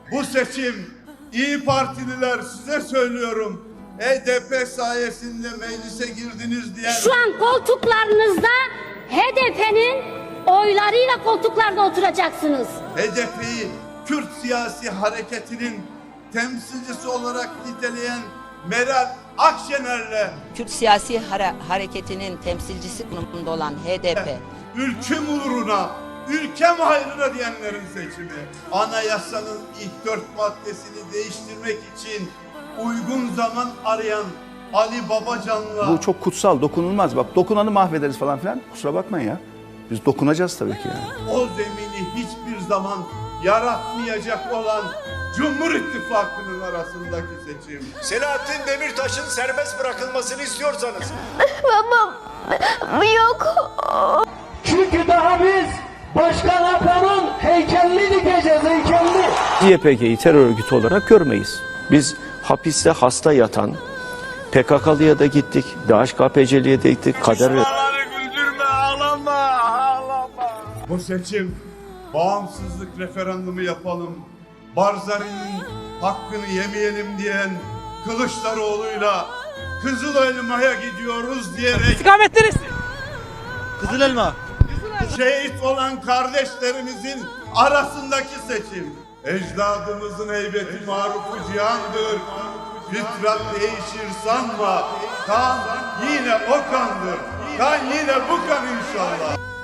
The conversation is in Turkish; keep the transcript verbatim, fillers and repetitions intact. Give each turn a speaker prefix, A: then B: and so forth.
A: Bu seçim İyi Partililer size söylüyorum. H D P sayesinde meclise girdiniz diyen...
B: Şu an koltuklarınızda H D P'nin oylarıyla koltuklarda oturacaksınız.
A: H D P'yi Kürt siyasi hareketinin temsilcisi olarak niteleyen Meral Akşener'le
C: Kürt siyasi hare hareketinin temsilcisi konumunda olan H D P,
A: ülküm uğruna, ülkem hayrına diyenlerin seçimi. Anayasanın ilk dört maddesini değiştirmek için uygun zaman arayan Ali Babacan'la...
D: Bu çok kutsal, dokunulmaz. Bak dokunanı mahvederiz falan filan. Kusura bakmayın ya. Biz dokunacağız tabii ki yani.
A: O zemini hiçbir zaman yaratmayacak olan Cumhur İttifakı'nın arasındaki seçim.
E: Selahattin Demirtaş'ın serbest bırakılmasını istiyorsanız.
F: Babam yok.
G: Çünkü daha biz Başkan Apo'nun heykelini dikeceğiz, heykelini.
H: Y P G'yi terör örgütü olarak görmeyiz. Biz hapiste hasta yatan P K K'lıya da gittik, D H K P C'liye de gittik, kader...
E: güldürme, ağlama, ağlama.
A: Bu seçim bağımsızlık referandumu yapalım, Barzani'nin hakkını yemeyelim diyen Kılıçdaroğlu'yla Kızıl Elma'ya gidiyoruz diyerek
I: İstikamet neresi? Kızıl Elma.
A: şehit olan kardeşlerimizin arasındaki seçim. Ecdadımızın heybeti marufu cihandır. Fitrat değişir sanma. Kan yine o kandır. Kan yine bu kan inşallah.